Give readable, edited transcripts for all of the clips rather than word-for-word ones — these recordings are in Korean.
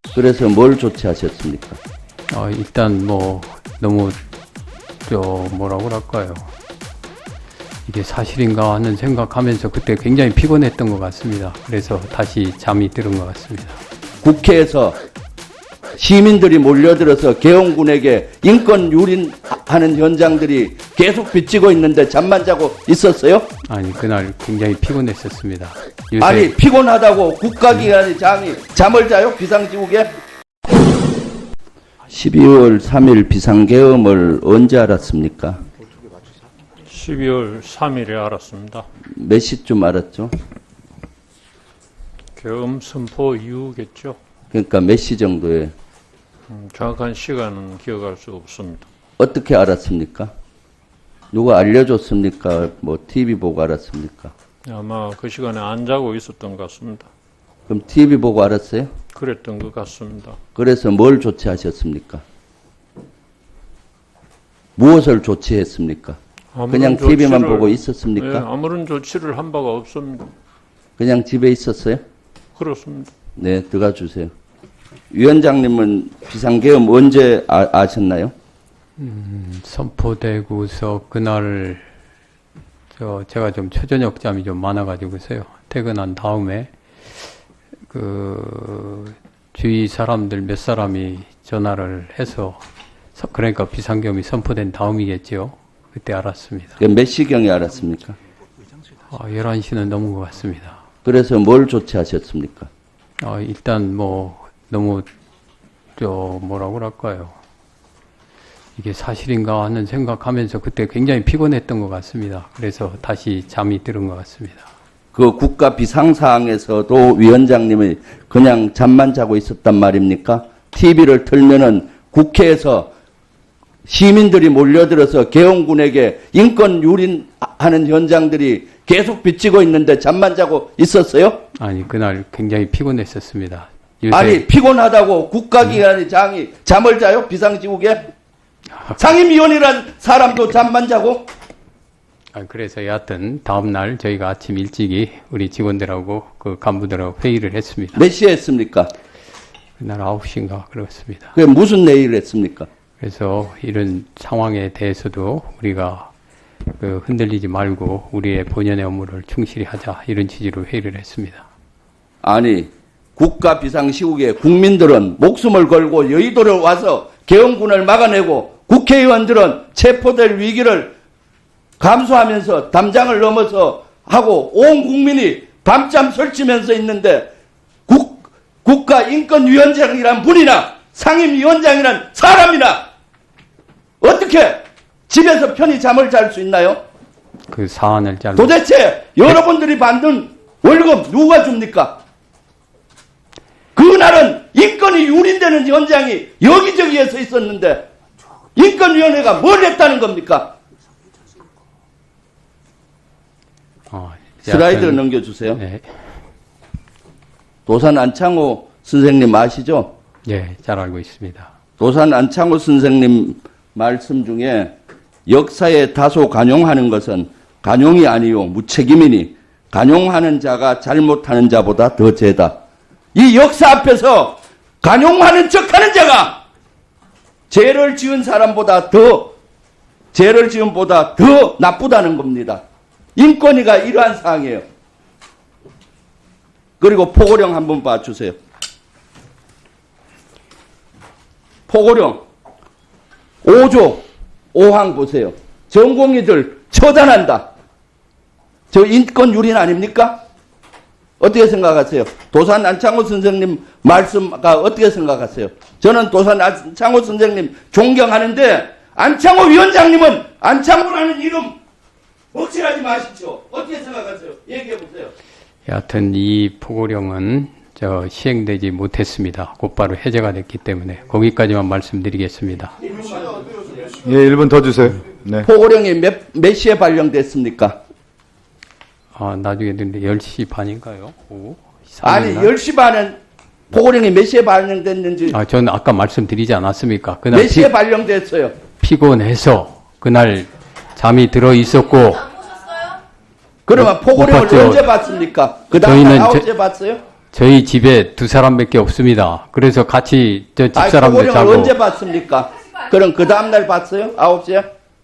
그래서 뭘 조치하셨습니까? 일단 뭐 너무 뭐라고 할까요? 이게 사실인가 하는 생각하면서 그때 굉장히 피곤했던 것 같습니다. 그래서 다시 잠이 들은 것 같습니다. 국회에서 시민들이 몰려들어서 계엄군에게 인권 유린하는 현장들이 계속 비치고 있는데 잠만 자고 있었어요? 아니 그날 굉장히 피곤했었습니다. 요새 아니 피곤하다고 국가기관의 장이 잠을 자요? 비상지국에? 12월 3일 비상계엄을 언제 알았습니까? 12월 3일에 알았습니다. 몇 시쯤 알았죠? 계엄 선포 이후겠죠. 그러니까 몇 시 정도에 정확한 시간은 기억할 수 없습니다. 어떻게 알았습니까? 누가 알려줬습니까? 뭐 TV 보고 알았습니까? 아마 그 시간에 안 자고 있었던 것 같습니다. 그럼 TV 보고 알았어요? 그랬던 것 같습니다. 그래서 뭘 조치하셨습니까? 무엇을 조치했습니까? 그냥 TV만 보고 있었습니까? 네, 아무런 조치를 한 바가 없습니다. 그냥 집에 있었어요? 그렇습니다. 네, 들어가 주세요. 위원장님은 비상계엄 언제 아셨나요? 선포되고서 그날 제가 좀 초저녁 잠이 좀 많아가지고서요. 퇴근한 다음에 그 주위 사람들 몇 사람이 전화를 해서 그러니까 비상계엄이 선포된 다음이겠죠. 그때 알았습니다. 몇 시경에 알았습니까? 11시는 넘은 것 같습니다. 그래서 뭘 조치하셨습니까? 일단 뭐 너무 뭐라고 할까요? 이게 사실인가 하는 생각하면서 그때 굉장히 피곤했던 것 같습니다. 그래서 다시 잠이 들은 것 같습니다. 그 국가 비상사항에서도 위원장님이 그냥 잠만 자고 있었단 말입니까? TV를 틀면은 국회에서 시민들이 몰려들어서 계엄군에게 인권 유린하는 현장들이 계속 비치고 있는데 잠만 자고 있었어요? 아니 그날 굉장히 피곤했었습니다. 요새 아니 피곤하다고 국가기관의 장이 잠을 자요? 비상지국에? 상임위원이란 사람도 잠만 자고? 그래서 여하튼 다음날 저희가 아침 일찍이 우리 직원들하고 그 간부들하고 회의를 했습니다. 몇 시에 했습니까? 그날 9시인가 그렇습니다. 그게 무슨 내일을 했습니까? 그래서 이런 상황에 대해서도 우리가 흔들리지 말고 우리의 본연의 업무를 충실히 하자 이런 취지로 회의를 했습니다. 아니 국가 비상시국에 국민들은 목숨을 걸고 여의도를 와서 계엄군을 막아내고 국회의원들은 체포될 위기를 감수하면서 담장을 넘어서 하고 온 국민이 밤잠 설치면서 있는데 국가인권위원장이란 분이나 상임위원장이란 사람이나 어떻게 집에서 편히 잠을 잘 수 있나요? 그 사안을 잘 도대체 여러분들이 받는 월급 누가 줍니까? 그날은 인권이 유린되는 현장이 여기저기에서 있었는데 인권위원회가 뭘 했다는 겁니까? 슬라이드 넘겨주세요. 네. 도산 안창호 선생님 아시죠? 네, 잘 알고 있습니다. 도산 안창호 선생님 말씀 중에 역사에 다소 간용하는 것은 간용이 아니요 무책임이니 간용하는 자가 잘못하는 자보다 더 죄다. 이 역사 앞에서 간용하는 척하는 자가 죄를 지은 사람보다 죄를 지은 보다 더 나쁘다는 겁니다. 인권위가 이러한 사항이에요. 그리고 포고령 한번 봐주세요. 포고령 5조 5항 보세요. 전공의들 처단한다. 저 인권 유린 아닙니까? 어떻게 생각하세요? 도산 안창호 선생님 말씀가 어떻게 생각하세요? 저는 도산 안창호 선생님 존경하는데 안창호 위원장님은 안창호라는 이름 먹칠하지 마십시오. 어떻게 생각하세요? 얘기해 보세요. 여하튼 이 포고령은 시행되지 못했습니다. 곧바로 해제가 됐기 때문에 거기까지만 말씀드리겠습니다. 예, 1분 더 주세요. 네. 포고령이 몇 시에 발령됐습니까? 나중에 듣는데 10시 반인가요? 오후? 아니 10시 반은 포고령이 몇 시에 발령됐는지 저는 아까 말씀드리지 않았습니까? 그날 몇 시에 발령됐어요? 피곤해서 그날 잠이 들어 있었고 그러면 포고령을 봤죠. 언제 봤습니까? 그 다음 저희는 날 9시에 봤어요? 저희 집에 두 사람밖에 없습니다. 그래서 같이 저 집사람들 표고령을 자고 언제 봤습니까? 그럼 그 다음날 봤어요? 9시에?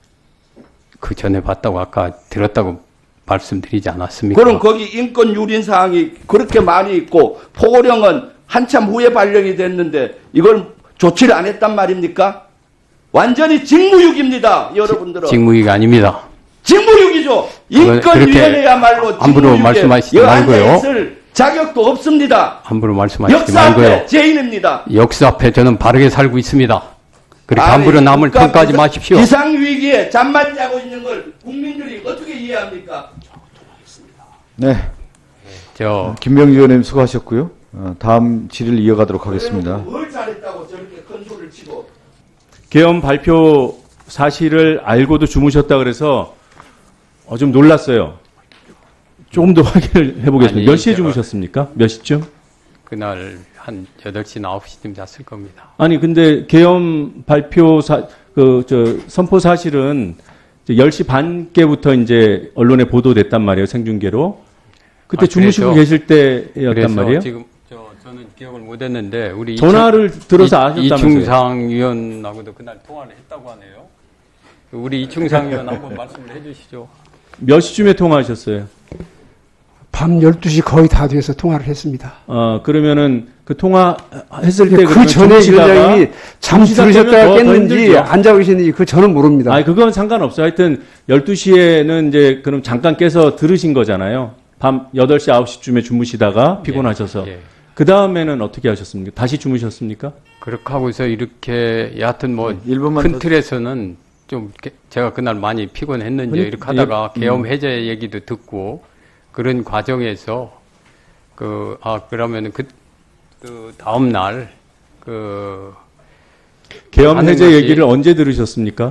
그 전에 봤다고 아까 들었다고 말씀드리지 않았습니까? 그럼 거기 인권 유린 사항이 그렇게 많이 있고 포고령은 한참 후에 발령이 됐는데 이걸 조치를 안 했단 말입니까? 완전히 직무유기입니다, 여러분들은. 직무유기 아닙니다. 직무유기죠. 인권위원회야말로 함부로 말씀하시지 말고요. 있을 자격도 없습니다. 함부로 말씀하시지 역사 말고요. 앞에 죄인입니다. 역사 앞에 저는 바르게 살고 있습니다. 그렇게 아니, 함부로 남을 국가 평가하지 마십시오. 비상위기에 잠만 자고 있는 걸 국민들이 어떻게 이해합니까? 네. 김병주 의원님 수고하셨고요. 다음 질의를 이어가도록 하겠습니다. 뭘 잘했다고 저렇게 큰 소리를 치고. 계엄 발표 사실을 알고도 주무셨다 그래서 좀 놀랐어요. 조금 더 확인을 해보겠습니다. 아니, 몇 시에 제가- 주무셨습니까? 몇 시쯤? 그날 한 8시나 9시쯤 잤을 겁니다. 아니 근데 계엄 발표 선포 사실은 이제 10시 반께부터 이제 언론에 보도됐단 말이에요. 생중계로. 그때 주무시고 계실 때였단 그래서 말이에요. 지금 저는 기억을 못 했는데 우리 전화를 들어서 아셨다면서요. 이충상 위원하고도 그날 통화를 했다고 하네요. 우리 이충상 위원 한번 말씀을 해 주시죠. 몇 시쯤에 통화하셨어요? 밤 12시 거의 다 돼서 통화를 했습니다. 그러면은 그 통화했을 때 그 그러면 전에 주무시다가 위원장님이 잠 주무시다 들으셨다가 깨면 더 깼는지 힘들죠. 안 자고 계셨는지 그 저는 모릅니다. 아니, 그건 상관없어요. 하여튼 12시에는 이제 그럼 잠깐 깨서 들으신 거잖아요. 밤 8시, 9시쯤에 주무시다가 피곤하셔서. 예. 그 다음에는 어떻게 하셨습니까? 다시 주무셨습니까? 그렇게 하고서 이렇게 여하튼 뭐 일분만 큰 더- 틀에서는 좀 제가 그날 많이 피곤했는지 이렇게 하다가 계엄 해제 얘기도 듣고 그런 과정에서 그러면은 그 다음 날 계엄 하는 해제 것이- 얘기를 언제 들으셨습니까?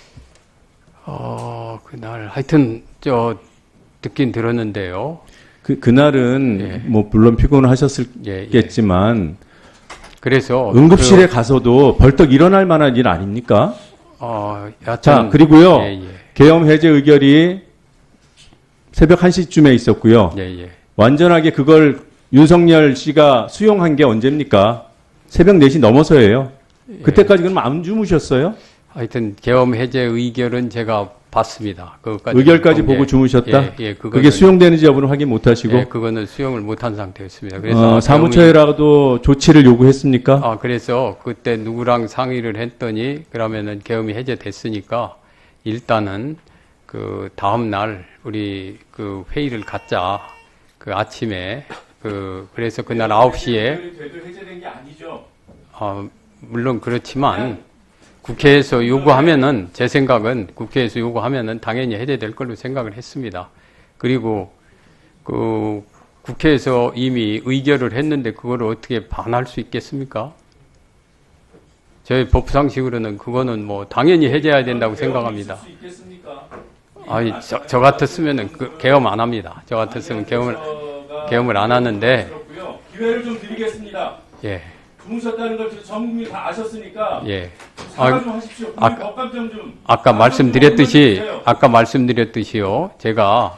그날 하여튼 듣긴 들었는데요. 그날은 예. 뭐 물론 피곤하셨겠지만 그래서 응급실에 가서도 벌떡 일어날 만한 일 아닙니까? 여하튼 자, 그리고요. 예. 계엄 해제 의결이 새벽 1시쯤에 있었고요. 예. 완전하게 그걸 윤석열 씨가 수용한 게 언제입니까? 새벽 4시 넘어서예요. 그때까지 그럼 안 주무셨어요? 하여튼 계엄 해제 의결은 제가 봤습니다. 그것까지 의결까지 보고 주무셨다? 예, 그게 수용되는지 여부는 확인 못 하시고? 예, 그거는 수용을 못한 상태였습니다. 그래서 사무처에라도 조치를 요구했습니까? 그래서 그때 누구랑 상의를 했더니 그러면은 계엄이 해제됐으니까 일단은 그 다음 날 우리 그 회의를 갖자. 그 아침에 그래서 그날 9시에 되도 해제된 게 아니죠. 물론 그렇지만 국회에서 요구하면은 제 생각은 국회에서 요구하면은 당연히 해제될 걸로 생각을 했습니다. 그리고 그 국회에서 이미 의결을 했는데 그거를 어떻게 반할 수 있겠습니까? 저희 법상식으로는 그거는 뭐 당연히 해제해야 된다고 생각합니다. 아니 저 같았으면은 계엄 안 합니다. 저 같았으면 계엄을 안 하는데. 기회를 좀 드리겠습니다. 예. 주무셨다는 걸 전 국민이 다 아셨으니까. 예. 사과 좀 하십시오. 국민 법감정 좀. 아까 말씀드렸듯이요. 제가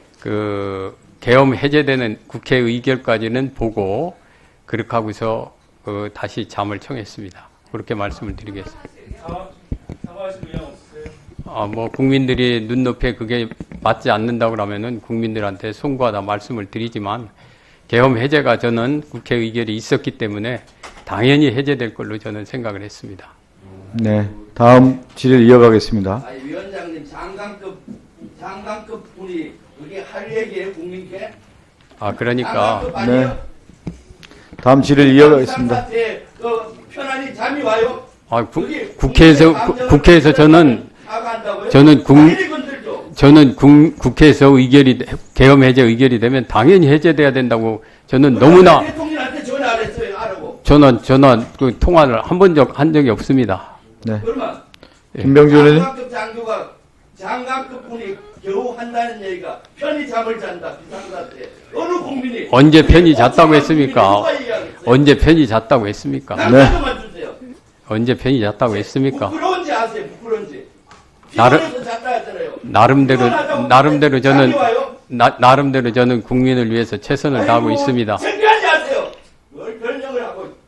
계엄 해제되는 국회 의결까지는 보고 그렇게 하고서 다시 잠을 청했습니다. 그렇게 말씀을 드리겠습니다. 사과하실 의향 없으세요? 뭐 국민들이 눈높이에 그게 맞지 않는다고 그러면은 국민들한테 송구하다 말씀을 드리지만 계엄 해제가 저는 국회 의결이 있었기 때문에 당연히 해제될 걸로 저는 생각을 했습니다. 네. 다음 질의를 이어가겠습니다. 아니, 위원장님 장관급 분이 그게 할 얘기예요, 국민께? 그러니까 장관급 아니에요? 네. 다음 질의를 이어가겠습니다. 상사한테 편안히 잠이 와요? 국회에서 저는 국회에서 계엄 해제 의결이 되면 당연히 해제돼야 된다고 저는 너무나 대통령한테 전화 안 했어요, 알고. 전화 통화를 한 적이 없습니다. 네. 그러면 김병주 의원님. 장관급 분이 겨우 한다는 얘기가 편히 잠을 잔다, 비상사태. 어느 국민이 언제 편히 잤다고 했습니까? 누가 이해하겠어요? 언제 편히 잤다고 했습니까? 남자만 주세요. 언제 편히 잤다고 했습니까? 부끄러운지 아세요? 부끄러운지. 나름- 피곤해서 잤다 했잖아요. 나름대로 저는 잠이 와요? 나름대로 저는 국민을 위해서 최선을 다하고 있습니다. 창피하지 신청을 하고